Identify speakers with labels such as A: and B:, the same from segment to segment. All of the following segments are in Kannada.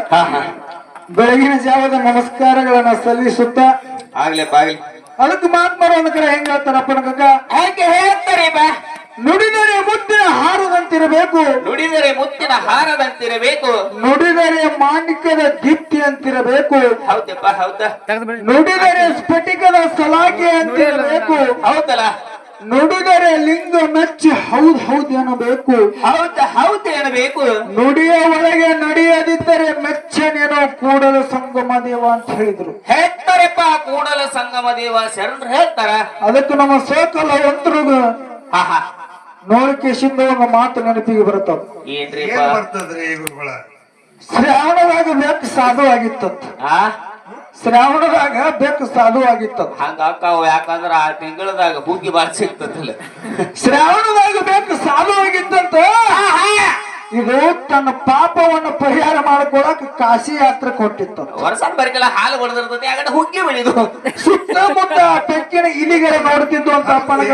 A: ಬೆಳಗಿನ ಜಾವದ ನಮಸ್ಕಾರಗಳನ್ನ ಸಲ್ಲಿಸುತ್ತ
B: ಆಗ್ಲೇಪ್ಪ ಆಗ್ಲಿ.
A: ಅದಕ್ಕೆ ಮಹಾತ್ಮರು ಒಂದ್ ಕಡೆ ಹೆಂಗ್ ಹೇಳ್ತಾರಪ್ಪ ನಗ
B: ಹೇಗೆ ಹೇಳ್ತಾರೆ ಬಾ?
A: ನುಡಿದರೆ ಮುತ್ತಿನ ಹಾರದಂತಿರಬೇಕು,
B: ನುಡಿದರೆ ಮುತ್ತಿನ ಹಾರದಂತಿರಬೇಕು,
A: ನುಡಿದರೆ ಮಾಣಿಕ್ಯದ ದೀಪ್ತಿ ಅಂತಿರಬೇಕು,
B: ಹೌದಪ್ಪ ಹೌದಾ?
A: ನುಡಿದರೆ ಸ್ಫಟಿಕದ ಸಲಾಕೆ ಅಂತಿರಬೇಕು,
B: ಹೌದಲ್ಲ?
A: ನುಡಿದರೆ ಲಿಂಗ ಮೆಚ್ಚಿ ಹೌದ್ ಹೌದ್ ಎನ್ನಬೇಕು,
B: ಹೌದು ಎನ್ನಬೇಕು.
A: ನುಡಿಯ ಒಳಗೆ ನಡೆಯದಿದ್ದರೆ ಮೆಚ್ಚನೇನೋ ಕೂಡಲ ಸಂಗಮ ದೇವ ಅಂತ ಹೇಳಿದ್ರು.
B: ಹೇಳ್ತಾರಪ್ಪ ಕೂಡಲ ಸಂಗಮ ದೇವ ಶರಣರು ಹೇಳ್ತಾರ.
A: ಅದಕ್ಕೆ ನಮ್ಮ ಸೋಕಲ ಒಂದ್ರಿಗ ನೋಡಿಕೆಶಿಂದ ಒಂದು ಮಾತು ನೆನಪಿಗೆ ಬರುತ್ತದ.
B: ಏನ್ರಿಪ್ಪ?
C: ಬರ್ತದ್ರಿ ಗುರುಗಳ?
A: ಶ್ರಾವಣದಾಗ ಬೆಕ್ಕು ಸಾಧು ಆಗಿತ್ತಂತ. ಶ್ರಾವಣದಾಗ ಬೆಕ್ಕು ಸಾಧು ಆಗಿತ್ತಂತ.
B: ಹಂಗ ಅಕ್ಕಾವ, ಯಾಕಂದ್ರ ಆ ತಿಂಗಳದಾಗ ಹುಗ್ಗಿ ಬಾಳ ಸಿಗ್ತದಲ್ಲ.
A: ಶ್ರಾವಣದಾಗ ಬೆಕ್ಕು ಸಾಧು ಆಗಿತ್ತಂತ. ಇದು ತನ್ನ ಪಾಪವನ್ನು ಪರಿಹಾರ ಮಾಡ್ಕೊಳಕ್ ಕಾಶಿ ಯಾತ್ರೆ ಕೊಟ್ಟಿತ್ತು.
B: ವರ್ಷ ಬರಿಕಲ್ಲ ಹಾಲು ಹೊಡೆದಿರ್ತದೆ, ಯಾಕಂದ್ರೆ ಹುಗ್ಗಿ ಬೆಳಿದು
A: ಸುತ್ತಮುತ್ತ ಬೆಕ್ಕಿನ ಇಲಿಗೆರೆ ನೋಡ್ತಿದ್ದು ಅಂತ ಅಪ್ಪನಗ.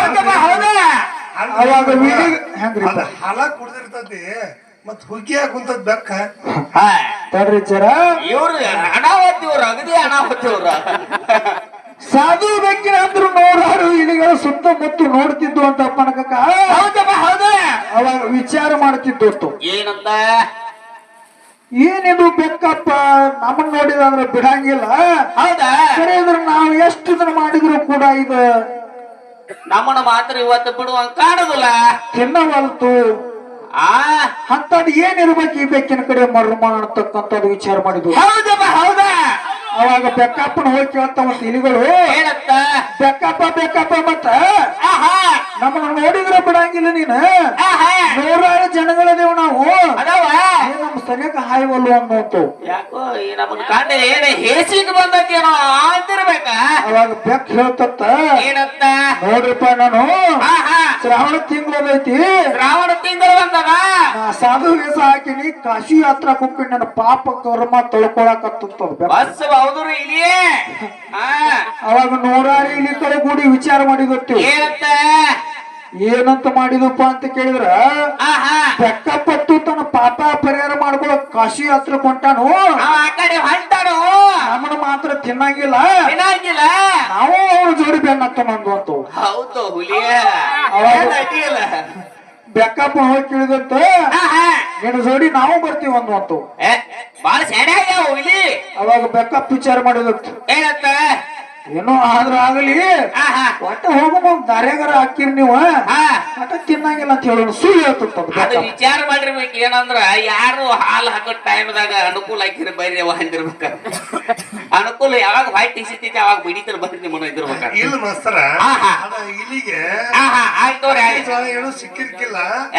A: ಅವಾಗ ಹೆಂಗ್ರಿ
C: ಹಾಲ ಕುಡ್ದಿರ್ತತಿ, ಮತ್ ಹುಗ್ಗಿ ಕುಂತದ್ ಬೆಕ್ಕ
A: ತಡ್ರಿ ಜರ.
B: ಇವ್ರು ಅನಾವತಿ, ಇವ್ರು ಅಗದಿ ಅನಾವತಿ ಇವ್ರ.
A: ಸಾಧು ಬೆಕ್ಕಿನ ಅಂದ್ರು ನೂರಾರು ಇಲಿಗಳು ಸುತ್ತಮುತ್ತ ನೋಡ್ತಿದ್ದು ಅಂತ ಅಪ್ಪನಕ.
B: ಹೌದಪ್ಪ ಹೌದ.
A: ಅವಾಗ ವಿಚಾರ ಮಾಡ್ತಿದ್ದು
B: ಏನಂತ?
A: ಏನಿದು ಬೆಕ್ಕಪ್ಪ ನಮ್ಮನ್ನ ನೋಡಿದ್ರೆ ಬಿಡಂಗಿಲ್ಲ.
B: ಹೌದಾ?
A: ಸರಿ ಇದ್ರ ನಾವು ಎಷ್ಟು ದಿನ ಮಾಡಿದ್ರು ಕೂಡ ಇದು
B: ನಮ್ಮನ್ನ ಮಾತ್ರ ಇವತ್ತು ಬಿಡುವಂಗ ಕಾಣುದಿಲ್ಲ,
A: ತಿನ್ನವಲ್ತು. ಅಂತದ್ ಏನಿರ್ಬೇಕು ಈ ಬೆಕ್ಕಿನ ಕಡೆ ಮರ್ಮ ಅಂತಕ್ಕಂಥದ್ದು ವಿಚಾರ ಮಾಡಿದ್ವು.
B: ಹೌದಪ್ಪ ಹೌದಾ?
A: ಅವಾಗ ಬೆಕ್ಕಪ್ಪನ ಹೋಗಿ ಕೇಳ್ತಾ ಮತ್ತ ಇಲಿಗಳು,
B: ಏನಂತ?
A: ಬೆಕ್ಕಪ್ಪ ಮತ್ತ ನಮ್ಮನ್ನ ನೋಡಿದ್ರೆ ಬಿಡಂಗಿಲ್ಲ ನೀನು, ನೂರಾರು ಜನಗಳಿದೇವು ನಾವು,
B: ಅದಾವ
A: ನಮ್ ಸರಿಯಾಗ ಹಾಯ್ವಲ್ಲು ಅನ್ನೋಂತು.
B: ಯಾಕೋ ಈ ನಮ್ಮನ್ನ ಕಾಂಡೆ ಏನ ಹೇಸಿಗೆ ಬಂದತ್ತೇನೋ ಅಂತಿರ್ಬೇಕ.
A: ಅವಾಗ ಬೆಕ್ಕ ಹೇಳ್ತತ್ತ,
B: ಏನಂತ?
A: ನೋಡ್ರಿಪ್ಪ ನಾನು ಶ್ರಾವಣ ತಿಂಗಳದೈತಿ,
B: ಶ್ರಾವಣ ತಿಂಗಳು ಬಂದದ,
A: ನಾ ಸಾಧು ವೇಷ ಹಾಕಿನಿ, ಕಾಶಿ ಯಾತ್ರಾ ಹೋಗ್ತೀನಿ, ನನ್ನ ಪಾಪ ಕರ್ಮ ತೊಳ್ಕೊಳಕತ್ತದ.
B: ಬಸ್ ಹೌದ್ರಿ ಇಲ್ಲಿಯೇ.
A: ಅವಾಗ ನೂರಾರು ಇಲಿ ಕಡೆ ಕೂಡಿ ವಿಚಾರ ಮಾಡಿದತ್ತು.
B: ಏನಂತ?
A: ಏನಂತ ಮಾಡಿದಪ್ಪ ಅಂತ ಕೇಳಿದ್ರ, ಬೆಕ್ಕಪ್ಪತ್ತು ತನ್ನ ಪಾಪ ಪರಿಹಾರ ಮಾಡ್ಕೊಳಕ್ ಕಾಶಿ ಯಾತ್ರೆ ಕೊಂಟಾನು,
B: ಆ ಕಡೆ ಹೊಂಟಾನು,
A: ನಮ್ಮನ್ನ ಮಾತ್ರ ತಿನ್ನಂಗಿಲ್ಲ,
B: ತಿನ್ನಂಗಿಲ್ಲ,
A: ನಾವು ಅವ್ರ ಜೋಡಿ ಬೆನ್ನತ್ತ ನಂದು.
B: ಹೌದು ಹುಲಿಯ.
A: ಬೆಕ್ಕಪ್ಪ ಹೋಗಿ ಕೇಳಿದಂತ, ನಿನ್ನ ಜೋಡಿ ನಾವು ಬರ್ತೀವಿ ಅಂದ್ವಂತು.
B: ಬಾಳ ಸೆಡೆ ಆಗ್ಯಾವ ಹುಲಿ.
A: ಅವಾಗ ಬೆಕ್ಕಪ್ಪ ವಿಚಾರ ಮಾಡಿದತ್ತು,
B: ಏನಂತ?
A: ಏನೋ ಆದ್ರ ಆಗಲಿ, ಒಟ್ಟ ಹೋಗೋ ದಾರ್ಯಾಗಾರ ಹಾಕಿರಿ ನೀವು, ಒಟ್ಟ ತಿನ್ನಂಗಿಲ್ಲ ಅಂತ ಹೇಳೋಣ ಸುಳ್ಳು ಹೇಳ್ತಿರ್ತದ.
B: ಅದು ವಿಚಾರ ಮಾಡಿರ್ಬೇಕು. ಏನಂದ್ರ ಯಾರು ಹಾಲು ಹಾಕೋ ಟೈಮ್ದಾಗ ಅನುಕೂಲ ಹಾಕಿರ ಬೈರಿ ಅವ ಅಂದಿರ್ಬೇಕ. ಅನುಕೂಲ ಯಾವಾಗ ಬಾಯಿ ಟಿಸಿತೈತಿ ಅವಾಗ ಬಿಡಿತರ ಬರ್ರಿ ನಿಮ್ಮನ್ನ ಇದಿರ್ಬೇಕ.
C: ಇಲ್ಲ ಮಾಸ್ತರ, ಇಲ್ಲಿಗೆ ಏನು ಸಿಕ್ಕಿರ್ಕಿಲ್ಲ.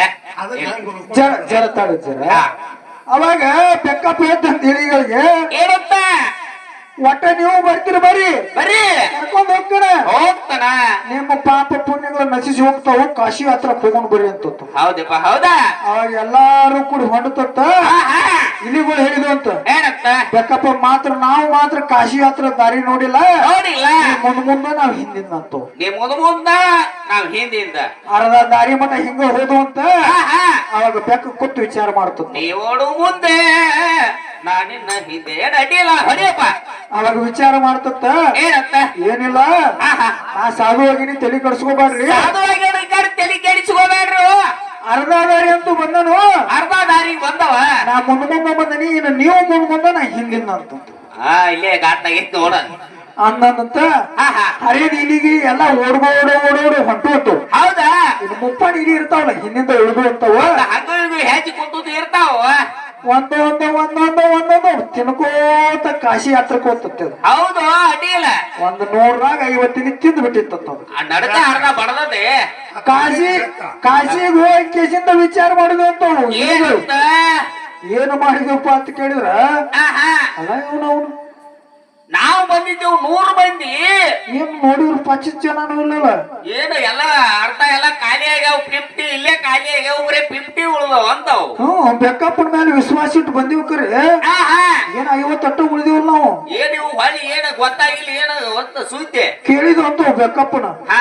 A: ಜರ ತಾಡಿ ಜರ. ಅವಾಗ ಬೆಕ್ಕಪ್ಪ ಹೇಳ್ತಂತ ಇಲಿಗಳಿಗೆ,
B: ಏನಂತ?
A: ಒಟ್ಟ ನೀವು ಬರ್ತೀರಿ ಬರ್ರಿ
B: ಬರ್ರಿ,
A: ಕರ್ಕೊಂಡ್ ಹೋಗ್ತಾನ,
B: ಹೋಗ್ತಾನ,
A: ನಿಮ್ಮ ಪಾಪ ಪುಣ್ಯಗಳು ನಶಿಸಿ ಹೋಗ್ತಾವ, ಕಾಶಿ ಹತ್ರ ಹೋಗೊಂಡ್ ಬರ್ರಿ ಅಂತ.
B: ಹೌದಪ್ಪ ಹೌದಾ?
A: ಅವಾಗ ಎಲ್ಲಾರು ಕೂಡ ಹೊಂಡತತ್ತ ಇಲಿಗಳು ಹೇಳಿದ್ವು ಅಂತ.
B: ಏನಂತ?
A: ಬೆಕ್ಕಪ್ಪ ಮಾತ್ರ ನಾವು ಮಾತ್ರ ಕಾಶಿ ಹತ್ರ ದಾರಿ ನೋಡಿಲ್ಲ,
B: ನೋಡಿಲ್ಲ,
A: ಮುಂದ ನಾವ್ ಹಿಂದಿಂದಂತು,
B: ನೀ ಮುಂದ ನಾವ್ ಹಿಂದಿಂದ
A: ಅರ್ಧ ದಾರಿ ಮಠ ಹಿಂಗ ಹೋದು ಅಂತ. ಅವಾಗ ಬೆಕ್ಕ ಕೂತು ವಿಚಾರ ಮಾಡ್ತದ,
B: ನೀವೋಡು ಮುಂದೆ ನಾನಿನ್ನ ಹಿಂದೆ ಅಡ್ಡಿಲ್ಲ ಹೊಡಿಯಪ್ಪ.
A: ಅವಾಗ ವಿಚಾರ ಮಾಡ್ತತ್ತ,
B: ಏನಂತ?
A: ಏನಿಲ್ಲ, ನಾ ಸಾಧು ಹೋಗಿನಿ, ತಲೆ ಕಡ್ಸ್ಕೋಬೇಡ್ರಿ,
B: ತಲೆ ಕೆಡಿಸ್ಕೋಬೇಡ್ರು,
A: ಅರ್ಧ ದಾರಿ ಅಂತೂ ಬಂದನು,
B: ಅರ್ಧ ದಾರಿಗೆ ಬಂದವ,
A: ನಾ ಮುಂದ ಬಂದನಿ, ಇನ್ನು ನೀವು ಮುಂದ ನಾ ಹಿಂದಿನ ಅಂತ.
B: ಇಲ್ಲೇ ಘಾಟ್ನಾಗ ಇತ್ತು ನೋಡ
A: ಅಂದಂತ ಹರಿಯದ ಇಲಿಗಿ ಎಲ್ಲ ಓಡೋಡು ಹೊಂಟು.
B: ಹೌದಾ?
A: ಇದು ಮುಪ್ಪಾಡಿ ಇಲಿ ಇರ್ತಾವಲ್ಲ ಹಿಂದಿಂದ ಇಳಿದು ಅಂತವ,
B: ಹಂಗ ಹೆಚ್ಚು ಕುಂತದ್ದು ಇರ್ತಾವ,
A: ಒಂದೊಂದು ತಿನ್ಕೋತ ಕಾಶಿ ಯಾತ್ರಕ್ಕೆ ಹೋಗ್ತದೆ.
B: ಹೌದು ಅಡ್ಡಿಲ್ಲ.
A: 150 ತಿಂದು ಬಿಟ್ಟಿತ್ತ
B: ನಡಕ ಅರ್ಧ ಬಡದದೆ.
A: ಕಾಶಿಗೆ ಹೋಗಿ ಕೇಸಿಂದ ವಿಚಾರ ಮಾಡಿದ್ವು ಅಂತ. ಏನು ಮಾಡಿದ್ವಪ್ಪ ಅಂತ ಕೇಳಿದ್ರ, ಅಲ್ಲ ಇವನು
B: ನಾವು ಬಂದಿದ್ದೇವು 100 ಮಂದಿ,
A: ಏನ್ ನೋಡಿದ್ರು 25 ಜನ ಇಲ್ಲಲ್ಲ,
B: ಏನು ಎಲ್ಲ ಅರ್ಧ ಎಲ್ಲ ಖಾಲಿ ಆಗ್ಯಾವ, 50 ಇಲ್ಲೇ ಖಾಲಿ ಆಗ್ಯಾವ, ಬರೀ 50 ಉಳಿದವ ಅಂತಾವ್.
A: ಬೆಕ್ಕಪ್ಪನ ಮೇಲೆ ವಿಶ್ವಾಸ ಇಟ್ಟು ಬಂದಿವ್ ಕರೆ, ಏನ್ 50 ಉಳಿದಿವಲ್ಲ ನಾವು.
B: ಏನ್ ಇವು ಹೊಳಿ ಏನ ಗೊತ್ತಾಗಿಲ್ಲ, ಏನ ಸುದ್ದಿ
A: ಕೇಳಿದ್ವು ಅಂತ ಬೆಕ್ಕಪ್ಪನ.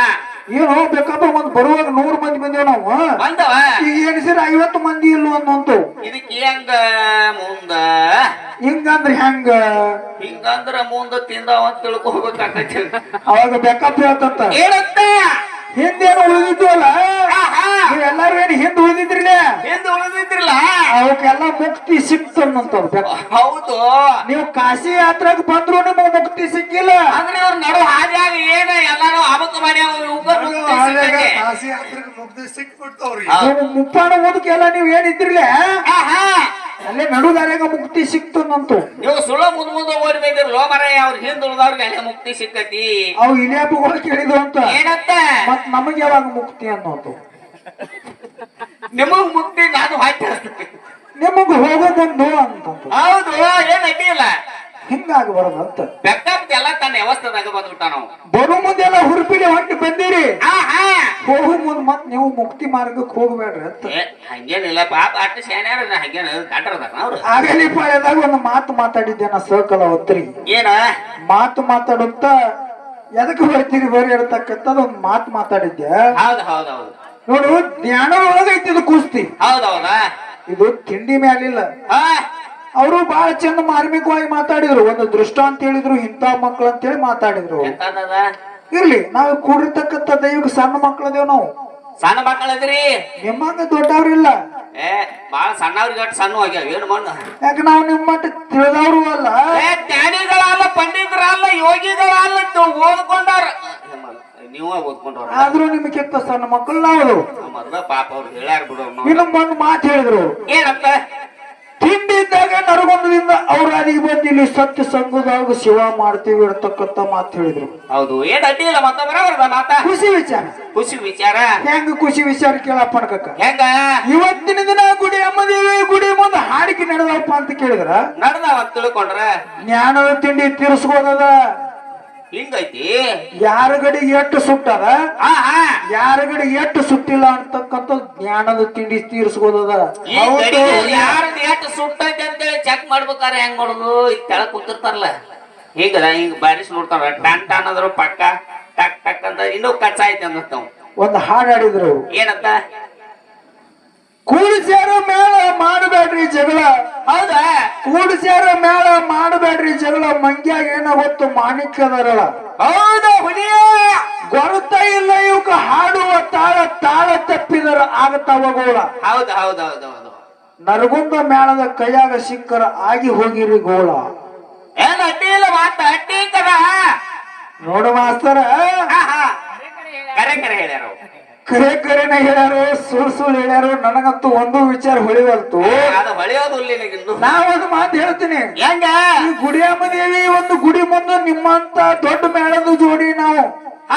A: ಏನು ಬೇಕಪ್ಪ ಒಂದ್ ಬರುವಾಗ 100 ಮಂದಿ ಬಂದೇವ್ ನಾವು
B: ಬಂದವ
A: ಈಗ ಎಣಿಸಿರ 50 ಮಂದಿ ಇಲ್ಲ ಅನ್ನೋಂತು
B: ಇದಕ್ಕೆ ಹೆಂಗ ಮುಂದ
A: ಹಿಂಗಂದ್ರ ಹೆಂಗ
B: ಹಿಂಗಂದ್ರ ಮುಂದ ತಿಂದಾವ ಅಂತ ತಿಳ್ಕೊಬೇಕಾಕೈತಿ
A: ಅವಾಗ ಬೇಕಪ್ಪ ಹೇಳ್ತಂತ
B: ಏನಂತ
A: ಹಿಂದೇನು ಉಳಿದಿದ್ವಲ್ಲ ಎಲ್ಲಾರು ಏನ್ ಹಿಂದ್ ಉಳಿದಿದ್ರಿಲ್ಲ
B: ಎಂದು ಉಳಿದಿದ್ರಲ್ಲ
A: ಅವಕ್ಕೆಲ್ಲ ಮುಕ್ತಿ ಸಿಕ್ತಂತ
B: ಹೌದು
A: ನೀವು ಕಾಶಿ ಯಾತ್ರಾಗ ಬಂದ್ರು ನಿಮಗೆ ಮುಕ್ತಿ ಸಿಕ್ಕಿಲ್ಲ
B: ಅಂದ್ರೆ ಅವ್ರ ನಡು ಹಾದಿಯಾಗ ಏನ ಎಲ್ಲಾರು ಅಬಕ ಮಾಡ್ಯಾವ
C: ಕಾಶಿ ಯಾತ್ರೆಗೆ ಮುಗ್ದಿ ಸಿಕ್ಬಿಡ್ತು ಅವ್ರಿಗೆ
A: ನೀವು ಮುಪ್ಪಾಣ ಓದಕ್ಕೆಲ್ಲ ನೀವ್ ಏನಿದ್ರಿಲ್ಲ ಅಲ್ಲೇ ನಡುದಾರ್ಯಾಗ ಮುಕ್ತಿ ಸಿಕ್ತಂತು
B: ನೀವು ಸುಳ್ಳು ಮುಂದ್ ಓಡಿ ಬಂದಿರ್ ಲೋ ಮರ ಅವ್ರ ಹಿಂದ್ ಉಳ್ದವ್ರಿಗೆ ಅಲ್ಲೇ ಮುಕ್ತಿ ಸಿಕ್ಕತಿ
A: ಅವು ಇಲಿಯಾಪಗಳು ಕೇಳಿದ್ವು ಅಂತ
B: ಏನಂತ
A: ಮತ್ ನಮಗೆ ಯಾವಾಗ ಮುಕ್ತಿ ಅನ್ನೋದು
B: ನಿಮಗ್ ಮುಕ್ತಿ ನಾನು ಹಾಕಿ
A: ನಿಮಗ್ ಹೋಗೋದೊಂದು ಅಂತ
B: ಹೌದು ಏನ್ ಅಡ್ಡಿ ಇಲ್ಲ
A: ಹಿಂಗಾಗಿ ಬರೋದಂತ
B: ಬೆಕ್ಕಪ್ಪ ಎಲ್ಲ ತನ್ನ ವ್ಯವಸ್ಥೆದಾಗ ಬಂದ್ಬಿಟ್ಟ ನಾವು
A: ಬರೋ ಮುಂದೆಲ್ಲ ಹುರುಪಿಗೆ ಹೊಂಟಿ ಬಂದಿರಿ ಹೋಗೋ ಮುಂದ್ ಮತ್ ನೀವು ಮುಕ್ತಿ ಮಾರ್ಗಕ್ಕೆ ಹೋಗ್ಬೇಡ್ರಿ ಅಂತ
B: ಹಂಗೇನಿಲ್ಲ ಪಾಪ ಅಷ್ಟು ಶಾನ್ಯಾರ ಹಂಗೇನ ದಾಟರದಾರ ಅವ್ರು
A: ಆಗಲಿ ಪಾಳ್ಯದಾಗ ಒಂದು ಮಾತು ಮಾತಾಡಿದ್ದೆ ನಾ ಸಹಕಲ ಒತ್ತರಿ
B: ಏನ
A: ಮಾತು ಮಾತಾಡುತ್ತ ಎದಕ್ಕೆ ಬರ್ತೀರಿ ಬರೀ ಹೇಳ್ತಕ್ಕಂಥದ್ದು ಒಂದು ಮಾತು ಮಾತಾಡಿದ್ದೆ
B: ಹೌದು ಹೌದು ಹೌದು
A: ನೋಡು ಜ್ಞಾನ ಒಳಗೈತಿ ಇದು ಕುಸ್ತಿ
B: ಹೌದೌದಾ
A: ಇದು ತಿಂಡಿ ಮ್ಯಾಲಿಲ್ಲ ಅವರು ಬಹಳ ಚಂದ ಮಾರ್ಮಿಕವಾಗಿ ಮಾತಾಡಿದ್ರು ಒಂದು ದೃಷ್ಟಾಂತ ಹೇಳಿದ್ರು ಇಂಥ ಮಕ್ಕಳು ಅಂತೇಳಿ ಮಾತಾಡಿದ್ರು
B: ಎಂತದ
A: ಇರ್ಲಿ ನಾವು ಕೂಡಿರ್ತಕ್ಕಂಥ ದೈವಕ್ಕೆ ಸಣ್ಣ ಮಕ್ಕಳದೇವ್ ನಾವು
B: ಸಣ್ಣ ಮಕ್ಕಳದ್ರಿ
A: ನಿಮ್ಮಂಗ ದೊಡ್ಡವ್ರಿಲ್ಲ
B: ಏ ಬಾಳ ಸಣ್ಣವ್ರಿಗೆ ಅಷ್ಟು ಸಣ್ಣ ಆಗ್ಯಾವ ಏನು ಮಣ್ಣು
A: ಯಾಕೆ ನಾವು ನಿಮ್ಮ ಮಟ್ಟ ತಿಳಿದವರು ಅಲ್ಲ
B: ಜ್ಞಾನಿಗಳಲ್ಲ ಪಂಡಿತರಲ್ಲ ಯೋಗಿಗಳಲ್ಲ ಓದ್ಕೊಂಡವ್ರ ನೀವ ಓದ್ಕೊಂಡವ್ರ
A: ಆದ್ರೂ ನಿಮ್ಗಿಂತ ಸಣ್ಣ ಮಕ್ಕಳು ನಾವು
B: ಮೊದ್ಲ ಪಾಪ ಅವ್ರು ಹೇಳ್ಯಾರ ಬಿಡು
A: ಇನ್ನೊಂದು ಮಾತು ಹೇಳಿದ್ರು
B: ಏನಂತ
A: ತಿಂಡಿ ಇದ್ದಾಗ ನರಗೊಂಡದಿಂದ ಅವ್ರ ಅದಿಗೆ ಬಂದು ಇಲ್ಲಿ ಸತ್ಯ ಸಂಘದಾಗ ಶಿವ ಮಾಡ್ತೀವಿ ಇರ್ತಕ್ಕಂಥ ಮಾತು ಹೇಳಿದ್ರು
B: ಹೌದು ಏನ್ ಅಡ್ಡಿ ಇಲ್ಲ ಮತ್ತ ಬರೋಬರ್ದ ಮಾತ
A: ಖುಷಿ ವಿಚಾರ
B: ಖುಷಿ ವಿಚಾರ
A: ಹೆಂಗ ಖುಷಿ ವಿಚಾರ ಕೇಳಪ್ಪ ಅನ್ಕಕ್ಕ
B: ಹೆಂಗ
A: ಇವತ್ತಿನ ದಿನ ಗುಡಿ ಅಮ್ಮದೇವಿ ಗುಡಿ ಮುಂದೆ ಹಾಡಿಕೆ ನಡೆದಪ್ಪ ಅಂತ ಕೇಳಿದ್ರ
B: ನಡ್ದಾವ ಅಂತ ತಿಳ್ಕೊಂಡ್ರ
A: ಜ್ಞಾನದ ತಿಂಡಿ ತೀರ್ಸ್ಬೋದದ
B: ಹಿಂಗೈತಿ
A: ಯಾರ ಗಡಿ ಎಷ್ಟು ಸುಟ್ಟದ ಯಾರ ಗಡಿ ಎಷ್ಟು ಸುಟ್ಟಿಲ್ಲ ಅಂತಕ್ಕಂಥ ಜ್ಞಾನದ ತಿಂಡಿ ತೀರ್ಸ್ಬೋದದ
B: ಯಾರದ್ ಎಷ್ಟು ಸುಟ್ಟೈತಿ ಅಂತೇಳಿ ಚೆಕ್ ಮಾಡ್ಬೇಕಾರೆ ಹೆಂಗ್ ಮಾಡೋದು ಈಗ ತೆಳಗ್ ಕೂತಿರ್ತಾರಲ್ಲ ಹಿಂಗದ ಹಿಂಗ್ ಬಾರಿಸಿ ನೋಡ್ತಾರ ಟನ್ ಟನ್ ಅಂದ್ರು ಪಕ್ಕ ಟಕ್ ಟಕ್ ಅಂತ ಇನ್ನೂ ಕಚ್ಚ ಐತಿ ಅನ್ನತ್ತಾವ್
A: ಒಂದು ಹಾಡು ಹಾಡಿದ್ರು
B: ಏನಂತ
A: ಕೂಡಿಸ್ಯಾರ ಮೇಳ ಮಾಡಬೇಡ್ರಿ ಜಗಳ
B: ಹೌದಾ
A: ಕೂಡಿಸ್ಯಾರ ಮೇಳ ಮಾಡಬೇಡ್ರಿ ಜಗಳ ಮಂಗ್ಯಾಗ ಏನ ಹೊತ್ತು ಮಾಣಿಕ್ಯದರಳ
B: ಹೌದು ಹುಲಿಯ
A: ಗೊರತ ಇಲ್ಲ ಇವಕ್ಕ ಹಾಡುವ ತಾಳ ತಾಳ ತಪ್ಪಿದರ ಆಗತಾವ ಗೋಳ
B: ಹೌದು ಹೌದು ಹೌದು ಹೌದು
A: ನರಗುಂದ ಮೇಳದ ಕೈಯಾಗ ಸಿಕ್ಕರ ಆಗಿ ಹೋಗಿರಿ ಗೋಳ
B: ಏನ್ ಅಡ್ಡಿ ಇಲ್ಲ ಮಾತ ಅಡ್ಡಿ ಕದ
A: ನೋಡು ಮಾಸ್ತರ
B: ಕರೆ ಕರೆ ಹೇಳ್ಯಾರ
A: ಕರೆ ಕರೆನ ಹೇಳ್ಯಾರು ಸುಳ್ ಹೇಳ್ಯಾರು ನನಗಂತೂ ಒಂದು ವಿಚಾರ ಹೊಳಿವಲ್ತು
B: ಅದು ಹೊಳೆಯೋದು ನಿನಗಿನ್ನು
A: ನಾವೊಂದು ಮಾತು ಹೇಳ್ತೀನಿ
B: ಹೆಂಗ
A: ಈ ಗುಡಿಯಮ್ಮ ದೇವಿ ಒಂದು ಗುಡಿ ಮುಂದೆ ನಿಮ್ಮಂತ ದೊಡ್ಡ ಮೇಳದ ಜೋಡಿ ನಾವು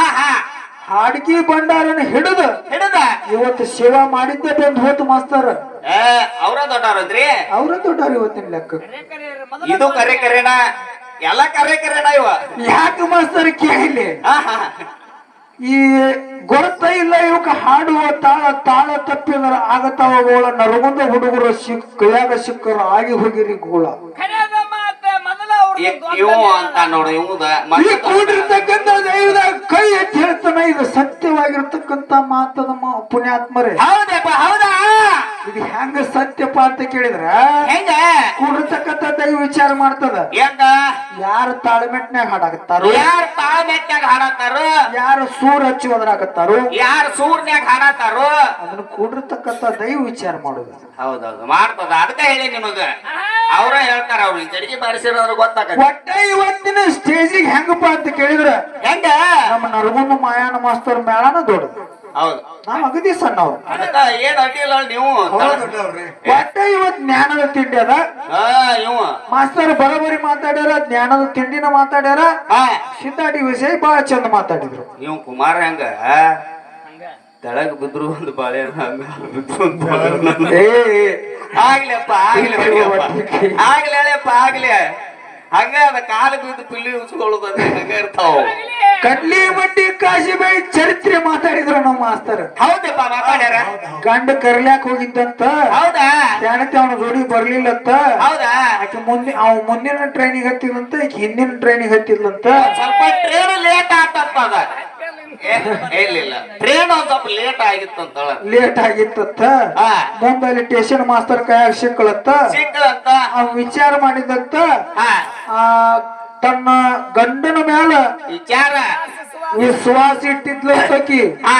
A: ಹಾಡ್ಕಿ ಭಂಡಾರನ ಹಿಡಿದ ಇವತ್ತು ಸೇವಾ ಮಾಡಿದ್ದೆ ಬಂದು ಹೋತು ಮಾಸ್ತರ್
B: ಅವ್ರ ದೊಡ್ಡವ್ರದ್ರಿ
A: ಅವ್ರ ದೊಡ್ಡವ್ರ ಇವತ್ತಿನ ಲೆಕ್ಕ
B: ಇದು ಕರೆ ಕರೆನ ಎಲ್ಲ ಕರೆ ಕರೆನ ಇವ
A: ಯಾಕೆ ಮಾಸ್ತರ್ ಕೇಳಿ ಈ ಗೊತ್ತ ಇಲ್ಲ ಇವಕ್ಕ ಹಾಡುವ ತಾಳ ತಾಳ ತಪ್ಪಿದ್ರ ಆಗತಾವ ಗೋಳ ನರಗುಂದ ಹುಡುಗರು ಕೈಯಾಗ ಸಿಕ್ಕರ ಆಗಿ ಹೋಗಿರಿ ಗೋಳ
B: ಇವು ಅಂತ ನೋಡು ಇವುದ
A: ಈ ಕೂಡಿರ್ತಕ್ಕಂಥ ದೈವದ ಕೈ ಎತ್ತಿ ಹೇಳ್ತಾನ ಇದು ಸತ್ಯವಾಗಿರ್ತಕ್ಕಂಥ ಮಾತದ ಪುಣ್ಯಾತ್ಮರೇ
B: ಹೌದಪ್ಪ ಹೌದಾ
A: ಇದು ಹೆಂಗ ಸತ್ಯಪ್ಪ ಅಂತ ಕೇಳಿದ್ರ
B: ಹೆಂಗ
A: ಕೂಡಿರ್ತಕ್ಕಂಥ ದೈವ ವಿಚಾರ ಮಾಡ್ತದ
B: ಹೆಂಗ
A: ಯಾರು ತಾಳ್ಮೆಟ್ನ್ಯಾಗ ಹಾಡಾಕತ್ತಾರೋ
B: ಯಾರು ತಾಳ್ಮೆಟ್ನ್ಯಾಗ ಹಾಡತ್ತಾರೋ
A: ಯಾರು ಸೂರ್ ಹಚ್ಚಿ ಹೋದ್ರಾಕತ್ತಾರೋ
B: ಯಾರು ಸೂರ್ನ್ಯಾಗ ಹಾಡತ್ತಾರೋ
A: ಅದನ್ನ ಕೂಡಿರ್ತಕ್ಕಂಥ ದೈವ ವಿಚಾರ ಮಾಡುದು
B: ಹೌದೌದು ಮಾಡ್ತದ ಅದಕ್ಕ ಹೇಳಿ ನಿಮಗ ಅವ್ರ ಹೇಳ್ತಾರ ಅವ್ರು ಈ ಕಡೆಗೆ ಬಾರಿಸಿರೋದ್ರ ಗೊತ್ತಾಗ
A: ಒಟ್ಟ ಇವತ್ತಿನ ಸ್ಟೇಜಿಗೆ ಹೆಂಗಪ್ಪ ಅಂತ ಕೇಳಿದ್ರ
B: ಹೆಂಗ
A: ನಮ್ಮ ನರಗುಂದ ಮಾಯಾನ ಮಾಸ್ತರ್ ಮೇಳನ ದೊಡ್ಡದು
B: ಹೌದು
A: ನಾವ್ ಅಗದಿ ಸಣ್ಣವ್ರು
B: ಅದಕ್ಕ ಏನ್ ಅಡ್ಡಿಲ್ಲ ನೀವು
A: ಒಟ್ಟ ಇವತ್ ಜ್ಞಾನದ ತಿಂಡಿ ಅದ
B: ಇವ
A: ಮಾಸ್ತರ್ ಬರೋಬರಿ ಮಾತಾಡ್ಯಾರ ಜ್ಞಾನದ ತಿಂಡಿನ ಮಾತಾಡ್ಯಾರ ಸಿದ್ದಾಡಿ ವಿಷಯ ಬಹಳ ಚಂದ ಮಾತಾಡಿದ್ರು
B: ಇವ್ ಕುಮಾರ ಹೆಂಗ ತೆಳಗ್ ಬಿದ್ರು ಒಂದು ಬಾಳೆ ಆಗ್ಲಪ್ಪ ಆಗ್ಲಿ ಹಂಗ ಅದ ಕಾಲು ಬಿದ್ದು ಪಿಲ್ಲಿ ಉಚ್ಕೊಳ್ಳೋದು ಹಂಗ ಇರ್ತಾವ
A: ಕಡ್ಲಿ ಮಟ್ಟಿ ಕಾಶಿ ಬೈ ಚರಿತ್ರೆ ಮಾತಾಡಿದ್ರು ನಮ್ಮ ಮಾಸ್ತರ್
B: ಹೌದಪ್ಪ ಮಾತಾಡ್ಯಾರ
A: ಗಂಡ ಕರ್ಲ್ಯಾಕ್ ಹೋಗಿದ್ದಂತ
B: ಹೌದಾ
A: ಜಾಣತಿ ಅವನ ಜೋಡಿ ಬರ್ಲಿಲ್ಲಂತ
B: ಹೌದಾ
A: ಆಕೆ ಮುಂದಿನ ಟ್ರೈನಿಗೆ ಹತ್ತಿದಂತ ಈಕೆ ಹಿಂದಿನ ಟ್ರೈನಿಗೆ ಹತ್ತಿದ್ಲಂತ
B: ಸ್ವಲ್ಪ ಟ್ರೈನ್ ಲೇಟ್ ಆಗ್ತಪ್ಪ ಅದ ಇಲ್ಲ ಟ್ರೈನ್ ಒಂದ್ ಸ್ವಲ್ಪ ಲೇಟ್ ಆಗಿತ್ತು ಅಂತಳ
A: ಲೇಟ್ ಆಗಿತ್ತತ್ತ
B: ಹಾ
A: ಮುಂದಲ್ಲಿ ಸ್ಟೇಷನ್ ಮಾಸ್ತರ್ ಕೈಯಾಗ ಸಿಕ್ಕಳತ್ತ
B: ಸಿಕ್ಕಳಂತ
A: ಅವ್ ವಿಚಾರ ಮಾಡಿದಂತ
B: ಹಾ
A: ಆ ತನ್ನ ಗಂಡನ ಮ್ಯಾಲ
B: ವಿಚಾರ
A: ವಿಶ್ವಾಸ ಇಟ್ಟಿದ್ಲತ್ತಕಿ
B: ಹಾ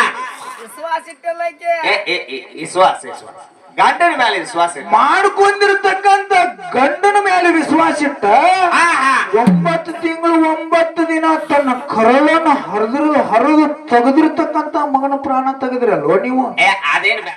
B: ವಿಶ್ವಾಸ ಗಂಡನ ಮೇಲೆ ವಿಶ್ವಾಸ ಇಲ್ಲ.
A: ಮಾಡ್ಕೊಂಡಿರ್ತಕ್ಕಂತ ಗಂಡನ ಮೇಲೆ ವಿಶ್ವಾಸ ಇಟ್ಟ
B: ಹಾ ಹಾ
A: 9 ತಿಂಗಳು 9 ದಿನ ತನ್ನ ಕರಳನ್ನು ಹರಿದು ತೆಗೆದಿರ್ತಕ್ಕಂತ ಮಗನ ಪ್ರಾಣ ತೆಗೆದ್ರಲ್ವ ನೀವು
B: ಅದೇನ್